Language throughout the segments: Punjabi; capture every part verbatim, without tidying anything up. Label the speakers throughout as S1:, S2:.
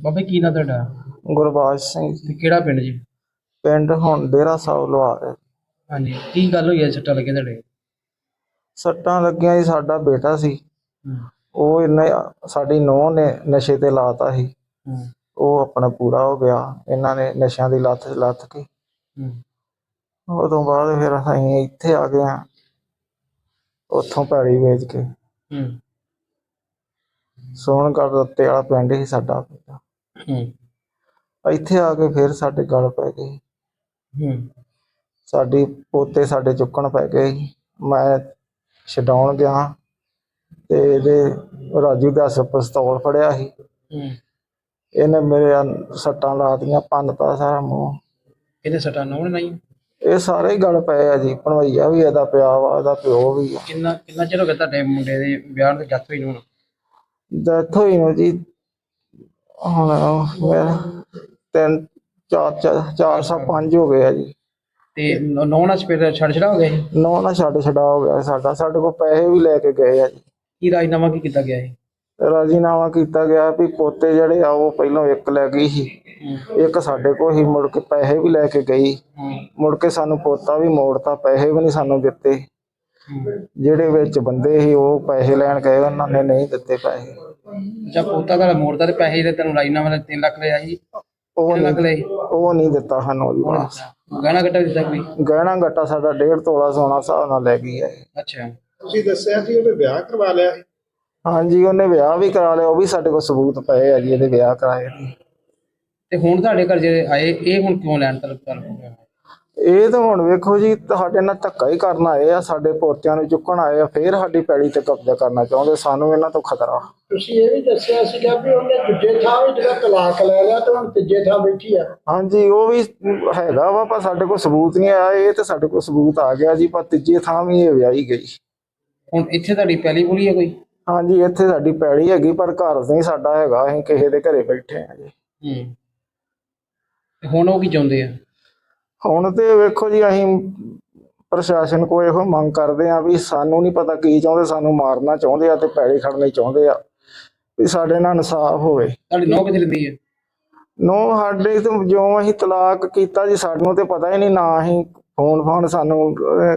S1: ਬਾਬਾ ਕੀ ਨਾਂ ਤੁਹਾਡਾ?
S2: ਗੁਰਬਾਜ ਸਿੰਘ ਜੀ।
S1: ਤੇ ਕਿਹੜਾ ਪਿੰਡ ਜੀ?
S2: ਪਿੰਡ ਹੁਣ ਡੇਰਾ ਸਾਹਿਬ ਲੁਹਾਰ ਹੈ।
S1: ਹਾਂਜੀ, ਕੀ ਗੱਲ ਹੋਈ ਹੈ ਸੱਟਾਂ ਲੱਗੇ ਤੁਹਾਡੇ?
S2: ਸੱਟਾਂ ਲੱਗੀਆਂ ਜੀ, ਸਾਡਾ ਬੇਟਾ ਸੀ,
S1: ਹੂੰ
S2: ਉਹ ਇਹਨੇ ਸਾਡੀ ਨੂੰਹ ਨੇ ਨਸ਼ੇ ਤੇ ਲਾਤਾ ਸੀ।
S1: ਹੂੰ
S2: ਉਹ ਆਪਣਾ ਪੂਰਾ ਹੋ ਗਿਆ, ਇਹਨਾਂ ਨੇ ਨਸ਼ਿਆਂ ਦੀ ਲੱਤ ਲੱਥ ਕੇ।
S1: ਹੂੰ
S2: ਉਹ ਤੋਂ ਬਾਅਦ ਫਿਰ ਅਸੀਂ ਇੱਥੇ ਆ ਗਏ ਹਾਂ, ਉੱਥੋਂ ਪੈੜੀ ਵੇਚ ਕੇ।
S1: ਹੂੰ
S2: ਸੋਹਣਗੜ੍ਹ ਰੱਤੇ ਵਾਲਾ ਪਿੰਡ ਸੀ ਸਾਡਾ ਬੇਟਾ।
S1: ਹੂੰ
S2: ਇੱਥੇ ਆ ਕੇ ਫਿਰ ਸਾਡੇ ਗਲ ਪੈ ਗਏ।
S1: ਹੂੰ
S2: ਸਾਡੀ ਪੋਤੇ ਸਾਡੇ ਚੁੱਕਣ ਪੈ ਗਏ ਸੀ। ਮੈਂ ਛਡਾਉਣ ਗਿਆ ਤੇ ਇਹਦੇ ਰਾਜੂ ਦਾ ਪਿਸਤੌਲ ਫੜਿਆ ਸੀ,
S1: ਹੂੰ
S2: ਇਹਨੇ ਮੇਰੇ ਸੱਟਾਂ ਲਾ ਦਿੱਤੀਆਂ, ਭੰਨਤਾ ਸਾਰਾ ਮੂੰਹ।
S1: ਇਹਦੇ ਸੱਟਾਂ ਨੌਣ ਨਹੀਂ?
S2: ਇਹ ਸਾਰੇ ਹੀ ਗਲ ਪਏ ਆ ਜੀ, ਭਣਵਈਆ ਵੀ ਇਹਦਾ ਪਿਆ ਵਾ, ਇਹਦਾ ਪਿਓ ਵੀ ਆ।
S1: ਕਿੰਨਾ ਕਿੰਨਾ ਚਿਰ ਹੋ ਗਿਆ ਤੁਹਾਡੇ ਮੁੰਡੇ ਦੇ ਵਿਆਹ ਤੇ ਡੈਥ ਹੋਈ ਨੂੰ?
S2: ਡੈਥ ਹੋਈ ਨੂੰ ਜੀ ਹੁਣ ਮੇਰਾ ਤਿੰਨ ਚਾਰ ਚਾਰ ਚਾਰ ਸੌ ਪੰਜ ਹੋ ਗਏ ਆ ਜੀ।
S1: ਤੇ ਨੌ ਨਾਲ ਫਿਰ ਛੱਡ ਛੜਾ ਹੋ ਗਿਆ ਸੀ?
S2: ਨੌ ਨਾ ਛੱਡ ਛਡਾ ਹੋ ਗਿਆ ਸਾਡਾ। ਸਾਡੇ ਕੋਲ ਪੈਸੇ ਵੀ ਲੈ ਕੇ ਗਏ ਆ ਜੀ।
S1: ਕੀ ਰਾਜਨਾਮਾ ਕੀ ਕੀਤਾ ਗਿਆ ਸੀ?
S2: ਰਾਜੀਨਾਮਾ ਕੀਤਾ ਗਿਆ ਵੀ ਪੋਤੇ ਜਿਹੜੇ ਆ ਉਹ ਪਹਿਲਾਂ ਇੱਕ ਲੈ ਗਈ ਸੀ, ਇੱਕ ਸਾਡੇ ਕੋਲ ਹੀ। ਮੁੜ ਕੇ ਪੈਸੇ ਵੀ ਲੈ ਕੇ ਗਈ, ਮੁੜ ਕੇ ਸਾਨੂੰ ਪੋਤਾ ਵੀ ਮੋੜਤਾ, ਪੈਸੇ ਵੀ ਨਹੀਂ ਸਾਨੂੰ ਦਿੱਤੇ। ਜਿਹੜੇ ਵਿੱਚ ਬੰਦੇ ਸੀ ਉਹ ਪੈਸੇ ਲੈਣ ਗਏ, ਉਹਨਾਂ ਨੇ ਨਹੀਂ ਦਿੱਤੇ ਪੈਸੇ।
S1: ਜਦ ਪੋਤਾ ਦਾ ਮੋੜਦਾ ਤੇ ਪੈਸੇ ਤੇ ਤੈਨੂੰ ਰਾਜਨਾਮਾ ਦਾ ਤਿੰਨ ਲੱਖ ਲਿਆ ਸੀ?
S2: ਉਹ
S1: ਲੱਖ ਲਏ?
S2: ਉਹ ਨਹੀਂ ਦਿੱਤਾ ਸਾਨੂੰ ਜੀ ਵਾਪਸ।
S1: ਗਹਿਣਾ ਗੱਟਾ ਦਿੱਤਾ ਕੋਈ?
S2: ਗਹਿਣਾ ਗੱਟਾ ਸਾਡਾ ਡੇਢ ਤੋਲਾ ਸੋਨਾ ਹਿਸਾਬ ਨਾਲ ਲੈ ਗਈ ਹੈ।
S1: ਅੱਛਾ,
S3: ਤੁਸੀਂ ਦੱਸਿਆ ਸੀ ਉਹਨੇ ਵਿਆਹ ਕਰਵਾ ਲਿਆ ਸੀ?
S2: ਹਾਂਜੀ, ਉਹਨੇ ਵਿਆਹ ਵੀ ਕਰਾ ਲਿਆ, ਉਹ ਵੀ ਸਾਡੇ ਕੋਲ ਸਬੂਤ ਪਏ ਆ ਜੀ ਇਹਦੇ ਵਿਆਹ ਕਰਾਏ।
S1: ਤੇ ਹੁਣ ਤੁਹਾਡੇ ਘਰ ਜਿਹੜੇ ਆਏ ਇਹ ਹੁਣ ਕਿਉਂ ਲੈਣ ਤਲਬ ਕਰ ਰਹੇ?
S2: ਇਹ ਤਾਂ ਹੁਣ ਵੇਖੋ ਜੀ, ਸਾਡੇ ਨਾਲ ਧੱਕਾ ਹੀ ਕਰਨ ਆਏ ਆ, ਸਾਡੇ ਪੋਤਿਆਂ ਨੂੰ ਚੁੱਕਣ ਆਏ ਆ, ਫੇਰ ਸਾਡੀ ਪੈੜੀ ਤੇ ਕਬਜ਼ਾ ਕਰਨਾ ਚਾਹੁੰਦੇ। ਸਾਨੂੰ ਇਹਨਾਂ ਤੋਂ ਖਤਰਾ।
S3: ਤੁਸੀਂ ਇਹ ਵੀ ਦੱਸਿਆ ਸੀਗਾ ਵੀ ਉਹਨੇ ਦੂਜੇ ਥਾਂ ਵੀ ਜਿਹੜਾ ਤਲਾਕ ਲੈ ਲਿਆ ਤੇ ਹੁਣ ਤੀਜੇ ਥਾਂ ਬੈਠੀ ਆ।
S2: ਹਾਂਜੀ, ਉਹ ਵੀ ਹੈਗਾ ਵਾ, ਪਰ ਸਾਡੇ ਕੋਲ ਸਬੂਤ ਨਹੀਂ ਆਇਆ। ਇਹ ਤੇ ਸਾਡੇ ਕੋਲ ਸਬੂਤ ਆ ਗਿਆ ਜੀ, ਪਰ ਤੀਜੇ ਥਾਂ ਵੀ ਇਹ ਵਿਆਹੀ ਗਈ। ਹੁਣ
S1: ਇੱਥੇ ਤੁਹਾਡੀ ਪੈਲੀ ਪੁਲੀ ਹੈ ਕੋਈ?
S2: ਹਾਂਜੀ, ਇੱਥੇ ਸਾਡੀ ਪੈੜੀ ਹੈਗੀ, ਪਰ ਘਰ ਨਹੀਂ ਸਾਡਾ ਹੈਗਾ, ਅਸੀਂ ਕਿਸੇ ਦੇ ਘਰੇ ਬੈਠੇ ਆ ਜੀ।
S1: ਹੂੰ ਹੁਣ ਉਹ ਕੀ ਚਾਹੁੰਦੇ ਆ?
S2: ਹੁਣ ਤੇ ਵੇਖੋ ਜੀ, ਅਸੀਂ ਪ੍ਰਸ਼ਾਸਨ ਕੋਲ ਇਹੋ ਮੰਗ ਕਰਦੇ ਆ ਵੀ ਸਾਨੂੰ ਨਹੀਂ ਪਤਾ ਕੀ ਚਾਹੁੰਦੇ, ਸਾਨੂੰ ਮਾਰਨਾ ਚਾਹੁੰਦੇ ਆ ਤੇ ਪੈੜੀ ਖੜਨੀ ਚਾਹੁੰਦੇ ਆ, ਵੀ ਸਾਡੇ ਨਾਲ ਇਨਸਾਫ ਹੋਵੇ।
S1: ਤੁਹਾਡੀ ਨੌ ਕਿੱਥੇ ਰਹਿੰਦੀ ਹੈ?
S2: ਨੋ ਸਾਡੇ ਤੋਂ ਜਿਉਂ ਅਸੀਂ ਤਲਾਕ ਕੀਤਾ ਜੀ, ਸਾਨੂੰ ਤੇ ਪਤਾ ਹੀ ਨਹੀਂ, ਨਾ ਅਸੀਂ ਫੋਨ ਫੋਨ ਸਾਨੂੰ।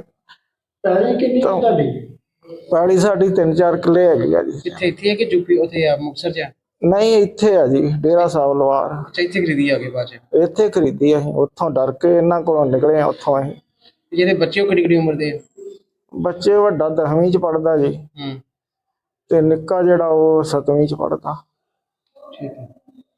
S3: ਪੈਲੀ ਕਿੰਨੀ ਕੁ ਤੁਹਾਡੀ?
S2: ਪੈੜੀ ਸਾਡੀ ਤਿੰਨ ਚਾਰ ਕਿੱਲੇ ਹੈਗੀ ਆ ਜੀ।
S1: ਕਿੱਥੇ ਇੱਥੇ ਹੈ ਕਿ ਯੂਪੀ ਉੱਥੇ ਆ ਮੁਕਤਸਰ ਚ?
S2: ਨਹੀਂ, ਇੱਥੇ ਆ ਜੀ, ਡੇਰਾ ਸਾਹਿਬ ਲੁਹਾਰ।
S1: ਅੱਛਾ, ਇੱਥੇ ਖਰੀਦੀ ਆ ਕੇ ਬਾਅਦ ਚ?
S2: ਇੱਥੇ ਖਰੀਦੀ ਅਸੀਂ, ਉੱਥੋਂ ਡਰ ਕੇ ਇਹਨਾਂ ਕੋਲੋਂ ਨਿਕਲੇ ਆ। ਉੱਥੋਂ ਅਸੀਂ
S1: ਜਿਹੜੇ ਬੱਚੇ ਉਹ ਕਿਹੜੀ ਕਿਹੜੀ ਉਮਰ ਦੇ?
S2: ਬੱਚੇ ਵੱਡਾ ਦਸਵੀਂ ਚ ਪੜ੍ਹਦਾ ਜੀ,
S1: ਹੂੰ
S2: ਤੇ ਨਿੱਕਾ ਜਿਹੜਾ ਉਹ ਸੱਤਵੀਂ ਚ ਪੜ੍ਹਦਾ।
S1: ਠੀਕ ਹੈ।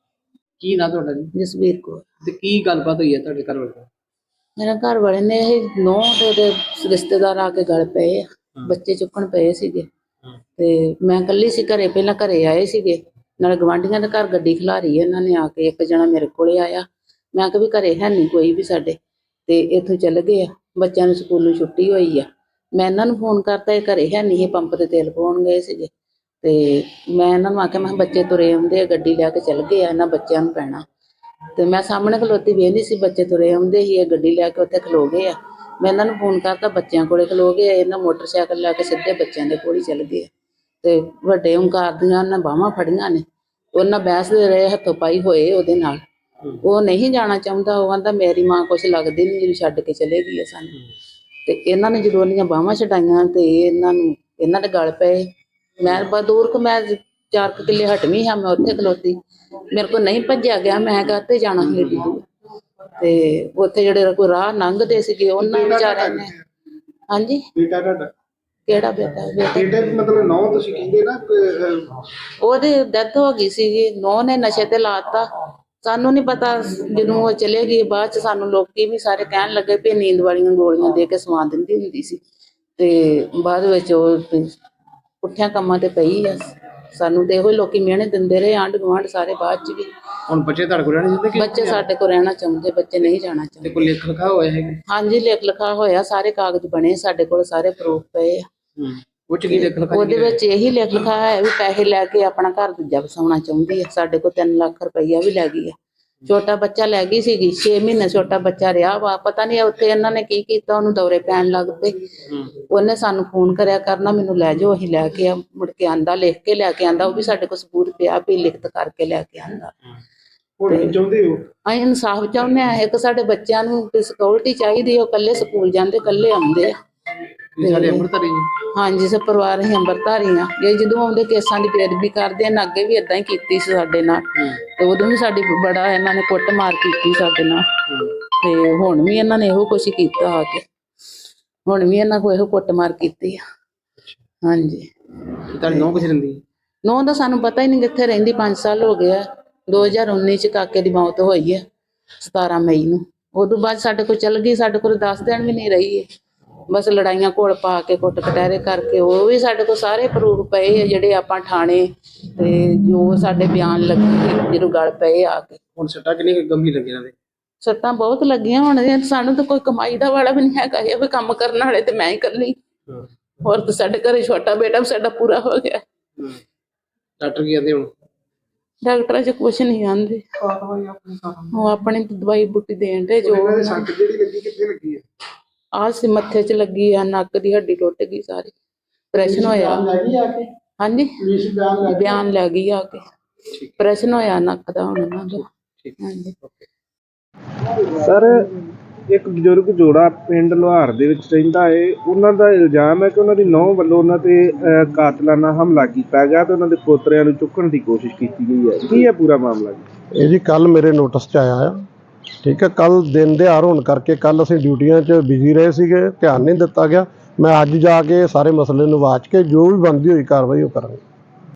S1: ਕੀ ਨਾਂ ਤੁਹਾਡਾ ਜੀ?
S4: ਜਸਵੀਰ ਕੌਰ।
S1: ਤੇ ਕੀ ਗੱਲਬਾਤ ਹੋਈ ਹੈ ਤੁਹਾਡੇ ਘਰ ਵਾਲੇ?
S4: ਮੇਰਾ ਘਰ ਵਾਲੇ ਨੇ ਇਹ ਨੌ ਤੇ ਉਹਦੇ ਰਿਸ਼ਤੇਦਾਰ ਆ ਕੇ ਗਲ ਪਏ ਆ, ਬੱਚੇ ਚੁੱਕਣ ਪਏ ਸੀਗੇ ਤੇ ਮੈਂ ਇਕੱਲੀ ਸੀ ਘਰੇ। ਪਹਿਲਾਂ ਘਰੇ ਆਏ ਸੀਗੇ, ਨਾਲੇ ਗਵਾਂਢੀਆਂ ਦੇ ਘਰ ਗੱਡੀ ਖਿਲਾਰੀ ਇਹਨਾਂ ਨੇ ਆ ਕੇ। ਇੱਕ ਜਣਾ ਮੇਰੇ ਕੋਲੇ ਆਇਆ, ਮੈਂ ਕਿਹਾ ਵੀ ਘਰੇ ਹੈ ਨਹੀਂ ਕੋਈ ਵੀ ਸਾਡੇ, ਤੇ ਇੱਥੋਂ ਚੱਲ ਗਏ ਆ। ਬੱਚਿਆਂ ਨੂੰ ਸਕੂਲੋਂ ਛੁੱਟੀ ਹੋਈ ਆ, ਮੈਂ ਇਹਨਾਂ ਨੂੰ ਫੋਨ ਕਰਤਾ, ਇਹ ਘਰੇ ਹੈ ਨਹੀਂ, ਇਹ ਪੰਪ ਤੇ ਤੇਲ ਪਾਉਣ ਗਏ ਸੀਗੇ। ਤੇ ਮੈਂ ਇਹਨਾਂ ਨੂੰ ਆਖਿਆ, ਮੈਂ ਕਿਹਾ ਬੱਚੇ ਤੁਰੇ ਆਉਂਦੇ ਆ, ਗੱਡੀ ਲੈ ਕੇ ਚੱਲ ਗਏ ਆ, ਇਹਨਾਂ ਬੱਚਿਆਂ ਨੂੰ ਪੈਣਾ। ਤੇ ਮੈਂ ਸਾਹਮਣੇ ਖਲੋਤੀ ਵੇਖਦੀ ਸੀ, ਬੱਚੇ ਤੁਰੇ ਆਉਂਦੇ ਸੀ, ਇਹ ਗੱਡੀ ਲੈ ਕੇ ਉੱਥੇ ਖਲੋ ਗਏ ਆ। ਮੈਂ ਇਹਨਾਂ ਨੂੰ ਫੋਨ ਕਰਤਾ, ਬੱਚਿਆਂ ਕੋਲੇ ਖਲੋ ਗਏ, ਇਹਨਾਂ ਮੋਟਰਸਾਈਕਲ ਲੈ ਕੇ ਸਿੱਧੇ ਬੱਚਿਆਂ ਦੇ ਕੋਲ ਹੀ ਚੱਲ ਗਏ। ਤੇ ਵੱਡੇ ਓਂਕਾਰ ਦੀਆਂ ਉਹਨਾਂ ਬਾਹਾਂ ਫੜੀਆਂ ਨੇ, ਉਹਨਾਂ ਬਹਿਸਦੇ ਰਹੇ, ਹੱਥੋਂ ਪਾਈ ਹੋਏ ਉਹਦੇ ਨਾਲ। ਉਹ ਨਹੀਂ ਜਾਣਾ ਚਾਹੁੰਦਾ, ਉਹ ਕਹਿੰਦਾ ਮੇਰੀ ਮਾਂ ਕੁਛ ਲੱਗਦੀ ਨਹੀਂ, ਜਿਹੜੀ ਛੱਡ ਕੇ ਚਲੇ ਗਈ ਹੈ ਸਾਨੂੰ। ਤੇ ਇਹਨਾਂ ਨੇ ਜਦੋਂ ਉਹਦੀਆਂ ਬਾਹਾਂ ਛਡਾਈਆਂ ਤੇ ਇਹਨਾਂ ਨੂੰ ਇਹਨਾਂ ਦੇ ਗਲ ਪਏ। ਮੈਂ ਬਾ ਦੂਰ ਕੁ ਮੈਂ ਚਾਰ ਕੁ ਕਿੱਲੇ ਹਟਵੀਂ ਹਾਂ, ਮੈਂ ਉੱਥੇ ਖਲੋਤੀ, ਮੇਰੇ ਕੋਲ ਨਹੀਂ ਭੱਜਿਆ ਗਿਆ। ਮੈਂ ਕਾਹਤੇ ਜਾਣਾ ਸੀ ਏਡੀ ਦੂਰ? ਤੇ ਉੱਥੇ ਜਿਹੜੇ ਕੋਈ ਰਾਹ ਲੰਘਦੇ ਸੀਗੇ ਉਹਨਾਂ ਵਿਚਾਰਿਆਂ ਨੇ। ਹਾਂਜੀ,
S3: ਬੇਟਾ ਤੁਹਾਡਾ
S4: ਕਿਹੜਾ ਬੇਟਾ?
S3: ਬੇਟੇ ਮਤਲਬ ਨੌ ਤੁਸੀਂ ਕਹਿੰਦੇ ਨਾ,
S4: ਉਹਦੀ ਡੈਥ ਹੋ ਗਈ ਸੀਗੀ, ਨੌ ਨੇ ਨਸ਼ੇ ਤੇ ਲਾਤਾ। ਸਾਨੂੰ ਨਹੀਂ ਪਤਾ, ਜਦੋਂ ਉਹ ਚਲੇ ਗਈ ਬਾਅਦ ਚ ਸਾਨੂੰ ਲੋਕੀ ਵੀ ਸਾਰੇ ਕਹਿਣ ਲੱਗੇ ਵੀ ਨੀਂਦ ਵਾਲੀਆਂ ਗੋਲੀਆਂ ਦੇ ਕੇ ਸਵਾ ਦਿੰਦੀ ਹੁੰਦੀ ਸੀ। ਤੇ ਬਾਅਦ ਵਿੱਚ ਉਹ ਪੁੱਠਿਆਂ ਕੰਮਾਂ ਤੇ ਪਈ ਆ। ਸਾਨੂੰ ਤੇ ਇਹੋ ਲੋਕੀ ਮਿਹਣੇ ਦਿੰਦੇ ਰਹੇ, ਆਂਢ ਗੁਆਂਢ ਸਾਰੇ। ਬਾਅਦ ਚ ਵੀ
S1: ਹੁਣ ਬੱਚੇ ਤੁਹਾਡੇ ਕੋਲ ਰਹਿਣੇ ਚਾਹੁੰਦੇ?
S4: ਬੱਚੇ ਸਾਡੇ ਕੋਲ ਰਹਿਣਾ ਚਾਹੁੰਦੇ, ਬੱਚੇ ਨਹੀਂ ਜਾਣਾ ਚਾਹੁੰਦੇ।
S1: ਕੋਈ ਲਿਖ ਲਿਖਾ ਹੋਇਆ ਹੈ?
S4: ਹਾਂਜੀ, ਲਿਖ ਲਿਖਾ ਹੋਇਆ, ਸਾਰੇ ਕਾਗਜ਼ ਬਣੇ ਸਾਡੇ ਕੋਲ, ਸਾਰੇ ਪ੍ਰੂਫ ਪਏ ਆ।
S1: ਹੂੰ ਉਹ ਚ ਕੀ ਲਿਖ ਲਿਖਾ?
S4: ਉਹਦੇ ਵਿੱਚ ਇਹੀ ਲਿਖ ਲਿਖਾ ਹੈ ਵੀ ਪੈਸੇ ਲੈ ਕੇ ਆਪਣਾ ਘਰ ਦੂਜਾ ਵਸਾਉਣਾ ਚਾਹੁੰਦੀ ਹੈ। ਸਾਡੇ ਕੋਲ ਤਿੰਨ ਲੱਖ ਰੁਪਈਆ ਵੀ ਲੈ ਗਈ ਆ। ਛੋਟਾ ਬੱਚਾ ਲੈ ਗਈ ਸੀਗੀ, ਛੇ ਮਹੀਨੇ ਛੋਟਾ ਬੱਚਾ ਰਿਹਾ ਵਾ। ਪਤਾ ਨਹੀਂ ਉੱਥੇ ਇਹਨਾਂ ਨੇ ਕੀ ਕੀਤਾ, ਉਹਨੂੰ ਦੌਰੇ ਪੈਣ ਲੱਗ ਪਏ। ਉਹਨੇ ਸਾਨੂੰ ਫੋਨ ਕਰਿਆ ਕਰਨਾ, ਮੈਨੂੰ ਲੈ ਜਾਓ, ਅਸੀਂ ਲੈ ਕੇ ਆ। ਮੁੜ ਕੇ ਆਂਦਾ, ਲਿਖ ਕੇ ਲੈ ਕੇ ਆਂਦਾ, ਉਹ ਵੀ ਸਾਡੇ ਕੋਲ ਸਬੂਤ ਪਿਆ ਵੀ ਲਿਖਤ ਕਰਕੇ ਲੈ ਕੇ ਆਂਦਾ।
S3: ਹੁਣ ਕੀ ਚਾਹੁੰਦੇ ਹੋ?
S4: ਅਸੀਂ ਇਨਸਾਫ ਚਾਹੁੰਦੇ ਆ। ਇੱਕ ਸਾਡੇ ਬੱਚਿਆਂ ਨੂੰ ਸਿਕਿਉਰਿਟੀ ਚਾਹੀਦੀ, ਉਹ ਇਕੱਲੇ ਸਕੂਲ ਜਾਂਦੇ, ਇਕੱਲੇ ਆਉਂਦੇ ਆ।
S1: ਤੁਸੀਂ ਸਾਡੇ ਅੰਮ੍ਰਿਤਧਾਰੀ ਜੀ?
S4: ਹਾਂਜੀ, ਸਭ ਪਰਿਵਾਰ ਅਸੀਂ ਅੰਮ੍ਰਿਤਧਾਰੀ ਆ। ਇਹ ਜਦੋਂ ਆਉਂਦੇ ਕੇਸਾਂ ਦੀ ਪੇਰਵੀ ਕਰਦੇ ਆ, ਅੱਗੇ ਵੀ ਇਦਾਂ ਹੀ ਕੀਤੀ ਸੀ ਸਾਡੇ ਨਾਲ, ਤੇ ਉਦੋਂ ਵੀ ਸਾਡੀ ਬੜਾ ਇਹਨਾਂ ਨੇ ਕੁੱਟ ਮਾਰ ਕੀਤੀ ਸਾਡੇ ਨਾਲ, ਤੇ ਹੁਣ ਵੀ ਇਹਨਾਂ ਨੇ ਇਹੋ ਕੁਛ ਕੀਤਾ ਆ ਕੇ, ਹੁਣ ਵੀ ਇਹਨਾਂ ਕੋਲ ਇਹੋ ਕੁੱਟ ਮਾਰ ਕੀਤੀ ਆ। ਹਾਂਜੀ।
S1: ਤੁਹਾਡੀ ਨੌਂ ਕਿੱਥੇ ਰਹਿੰਦੀ?
S4: ਨੌਂ ਦਾ ਸਾਨੂੰ ਪਤਾ ਹੀ ਨਹੀਂ ਕਿੱਥੇ ਰਹਿੰਦੀ। ਪੰਜ ਸਾਲ ਹੋ ਗਏ ਆ। ਦੋ ਹਜ਼ਾਰ ਉੱਨੀ ਚ ਕਾਕੇ ਦੀ ਮੌਤ ਹੋਈ ਹੈ, ਸਤਾਰਾਂ ਮਈ ਨੂੰ। ਉਦੋਂ ਬਾਅਦ ਸਾਡੇ ਕੋਲ ਚੱਲ ਗਈ, ਸਾਡੇ ਕੋਲ ਦਸ ਦਿਨ ਵੀ ਨਹੀਂ ਰਹੀ ਹੈ। ਬਸ ਲੜਾਈਆਂ ਘੋਲ ਪਾ ਕੇ, ਕੁੱਟ ਕਟਹਿਰੇ ਕਰਕੇ। ਉਹ ਵੀ ਸਾਡੇ ਕੋਲ ਸਾਰੇ ਪ੍ਰੂਫ ਪਏ ਆ, ਜਿਹੜੇ ਆਪਾਂ ਥਾਣੇ ਤੇ ਜੋ ਸਾਡੇ ਬਿਆਨ ਲੱਗੇ ਜਦੋਂ ਗਲ ਪਏ ਆ ਕੇ।
S1: ਹੁਣ ਸੱਟਾਂ ਕਿੰਨੀ ਗੰਭੀਰ ਲੱਗੀ ਇਹਨਾਂ ਦੇ?
S4: ਸੱਟਾਂ ਬਹੁਤ ਲੱਗੀਆਂ। ਹੁਣ ਸਾਨੂੰ ਤਾਂ ਕੋਈ ਕਮਾਈ ਦਾ ਵਾਲਾ ਵੀ ਨਹੀਂ ਹੈਗਾ, ਇਹ ਵੀ ਕੰਮ ਕਰਨ ਵਾਲੇ ਤੇ ਮੈਂ ਹੀ ਇਕੱਲੀ। ਹੋਰ ਤਾਂ ਸਾਡੇ ਘਰੇ ਛੋਟਾ ਬੇਟਾ ਵੀ ਸਾਡਾ ਪੂਰਾ ਹੋ ਗਿਆ।
S1: ਡਾਕਟਰ ਕੀ ਕਹਿੰਦੇ ਹੁਣ?
S4: ਡਾਕਟਰਾਂ ਚ ਕੁਛ ਨਹੀਂ ਆਂਦੇ, ਉਹ ਆਪਣੀ ਦਵਾਈ ਬੂਟੀ ਦੇਣ ਦੇ। ਜੋ
S3: ਸੱਟ ਜਿਹੜੀ ਲੱਗੀ ਕਿੱਥੇ ਲੱਗੀ ਹੈ?
S4: ਆਹ ਸੀ ਮੱਥੇ ਚ ਲੱਗੀ ਆ, ਨੱਕ ਦੀ ਹੱਡੀ ਟੁੱਟ ਗਈ ਸਾਰੀ, ਆਪਰੇਸ਼ਨ ਹੋਇਆ।
S3: ਲੈ ਗਈ ਆ ਕੇ?
S4: ਹਾਂਜੀ,
S3: ਪੁਲਿਸ ਬਿਆਨ ਲੈ
S4: ਬਿਆਨ ਲੈ ਗਈ ਆ ਕੇ। ਆਪਰੇਸ਼ਨ ਹੋਇਆ ਨੱਕ ਦਾ ਹੁਣ ਉਹਨਾਂ ਦਾ। ਹਾਂਜੀ।
S5: ਸਰ, ਇੱਕ ਬਜ਼ੁਰਗ ਜੋੜਾ ਪਿੰਡ ਲੁਹਾਰ ਦੇ ਵਿੱਚ ਰਹਿੰਦਾ ਹੈ। ਉਹਨਾਂ ਦਾ ਇਲਜ਼ਾਮ ਹੈ ਕਿ ਉਹਨਾਂ ਦੀ ਨੂੰਹ ਵੱਲੋਂ ਉਹਨਾਂ ਤੇ ਅਹ, ਕਾਤਲਾਨਾ ਹਮਲਾ ਕੀਤਾ ਗਿਆ ਤੇ ਉਹਨਾਂ ਦੇ ਪੋਤਰਿਆਂ ਨੂੰ ਚੁੱਕਣ ਦੀ ਕੋਸ਼ਿਸ਼ ਕੀਤੀ ਗਈ ਹੈ। ਕੀ ਹੈ ਪੂਰਾ ਮਾਮਲਾ ਜੀ?
S6: ਇਹ ਜੀ ਕੱਲ ਮੇਰੇ ਨੋਟਿਸ 'ਚ ਆਇਆ ਆ। ਠੀਕ ਹੈ, ਕੱਲ ਦਿਨ ਦਿਹਾੜ ਹੋਣ ਕਰਕੇ ਕੱਲ ਅਸੀਂ ਡਿਊਟੀਆਂ 'ਚ ਬਿਜ਼ੀ ਰਹੇ ਸੀਗੇ, ਧਿਆਨ ਨਹੀਂ ਦਿੱਤਾ ਗਿਆ। ਮੈਂ ਅੱਜ ਜਾ ਕੇ ਸਾਰੇ ਮਸਲੇ ਨੂੰ ਵਾਚ ਕੇ ਜੋ ਵੀ ਬਣਦੀ ਹੋਈ ਕਾਰਵਾਈ ਉਹ ਕਰਾਂਗੇ।